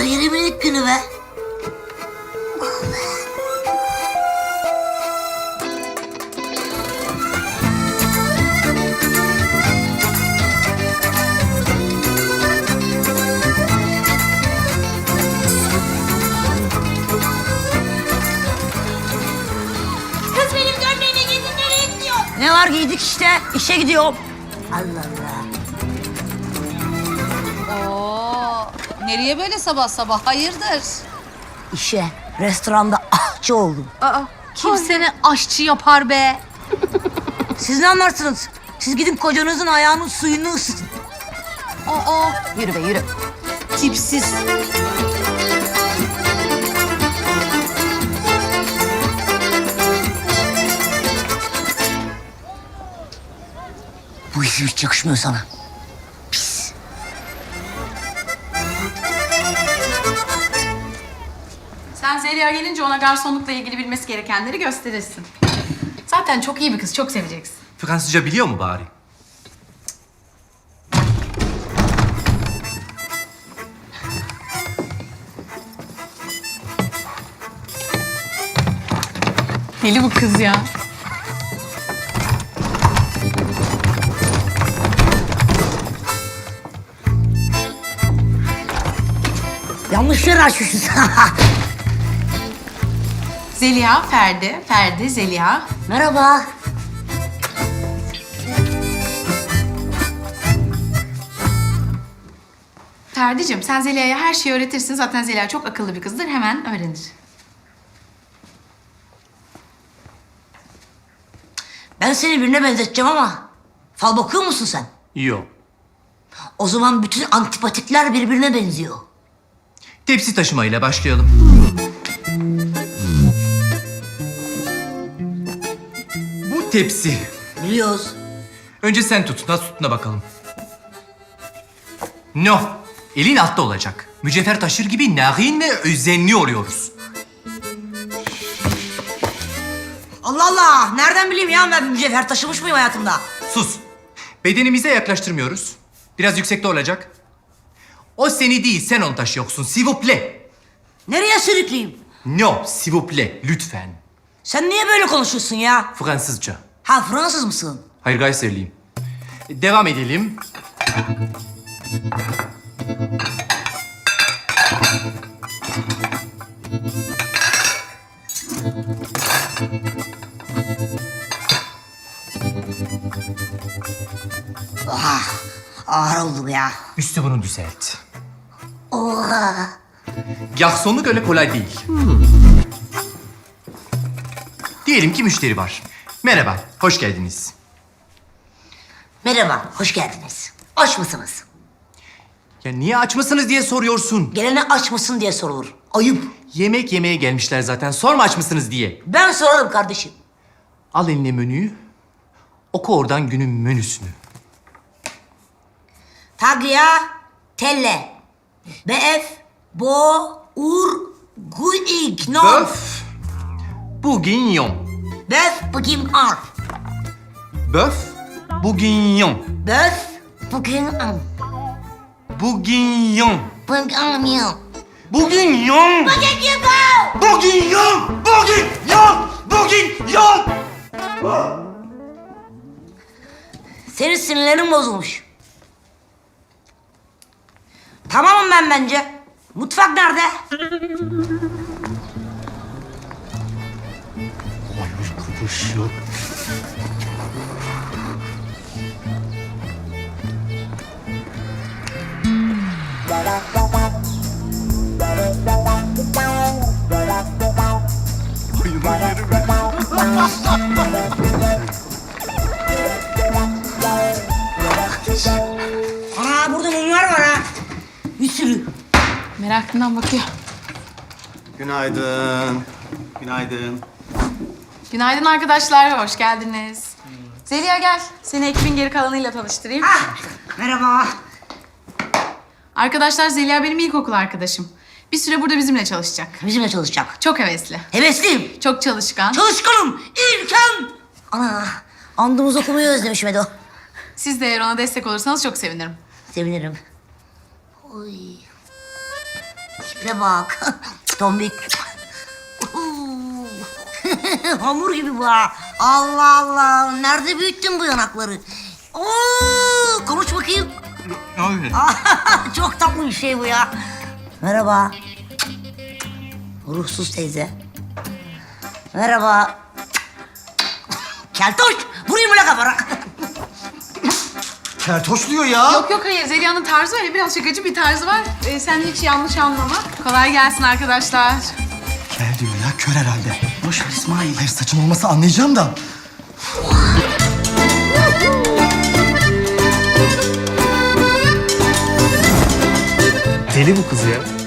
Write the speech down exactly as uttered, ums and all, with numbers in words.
Kariyerimin ilk günü be. Kız benim gömleğimi giydin, nereye gidiyor? Ne var, giydik işte. İşe gidiyorum. Allah Allah. Oo, nereye böyle sabah sabah? Hayırdır? İşe, restoranda ahçı oldum. Aa, kim seni aşçı yapar be? Siz ne anlarsınız? Siz gidin kocanızın ayağının suyunu ısıtın. Aa, yürü be yürü. Tipsiz. Bu iş hiç yakışmıyor sana. Pis. Sen Zeliha gelince ona garsonlukla ilgili bilmesi gerekenleri gösterirsin. Zaten çok iyi bir kız, çok seveceksin. Fransızca biliyor mu bari? Deli bu kız ya. Yanlış yere açmışız. Zeliha, Ferdi, Ferdi, Zeliha. Merhaba. Ferdi'cim sen Zeliha'ya her şeyi öğretirsin. Zaten Zeliha çok akıllı bir kızdır, hemen öğrenir. Ben seni birine benzeteceğim ama fal bakıyor musun sen? Yok. O zaman bütün antipatikler birbirine benziyor. Tepsi taşımayla başlayalım. Bu tepsi. Biliyoruz. Önce sen tut. Nasıl tuttuğuna bakalım. No. Elin altta olacak. Mücevher taşır gibi narin ve özenli oluyoruz. Allah Allah! Nereden bileyim ya, ben mücevher taşımış mıyım hayatımda? Sus. Bedenimize yaklaştırmıyoruz. Biraz yüksekte olacak. O seni değil, sen onu taşıyorsun. S'il vous plaît. Nereye sürükleyeyim? No, s'il vous plaît. Lütfen. Sen niye böyle konuşuyorsun ya? Fransızca. Ha, Fransız mısın? Hayır, Gayserliyim. Devam edelim. Oha! Ağır oldu ya. Üstü bunu düzelt. Oha! Garsonluk öyle kolay değil. Diyelim ki müşteri var. Merhaba, hoş geldiniz. Merhaba, hoş geldiniz. Aç mısınız? Ya niye aç mısınız diye soruyorsun. Gelene aç mısın diye sorulur. Ayıp. Yemek yemeye gelmişler zaten. Sorma aç mısınız diye. Ben sorarım kardeşim. Al eline menüyü. Oku oradan günün menüsünü. Taglia, telle. Beef, bo, ur, guig, no. Böf, bourguignon. Böf, bugün ar. Böf, bourguignon. Böf, bugün ar. Bourguignon. Bugün ar. Bourguignon. Bourguignon. Bourguignon. Bourguignon. Senin sinirlerin bozulmuş. Tamamım ben bence. Mutfak nerede? Ana, burada mumlar var ha. Bir sürü. Merakından bakıyor. Günaydın. Günaydın. Günaydın arkadaşlar, hoş geldiniz. Zeliha gel, seni ekibin geri kalanıyla tanıştırayım. Ah, merhaba. Arkadaşlar Zeliha benim ilkokul arkadaşım. Bir süre burada bizimle çalışacak. Bizimle çalışacak. Çok hevesli, Hevesliyim. çok çalışkan. Çalışkanım. İlkem. Ana, andımız okumayı özlemişim Edo. Siz de eğer ona destek olursanız çok sevinirim. Sevinirim. Oy. Tipine bak. Tombik. Hamur gibi bu ha. Allah Allah. Nerede büyüttün bu yanakları? Oo, konuş bakayım. Abi. Çok tatlı bir şey bu ya. Merhaba. Ruhsuz teyze. Merhaba. Keltoş. Vurayım mı la kafana? Kertoş diyor ya. Yok yok hayır Zeliha'nın tarzı öyle biraz şakacı bir tarzı var. Ee, sen hiç yanlış anlama. Kolay gelsin arkadaşlar. Kel diyor ya, kör herhalde. Boş ver İsmail. Hayır, saçım olmasa anlayacağım da. Deli bu kız ya.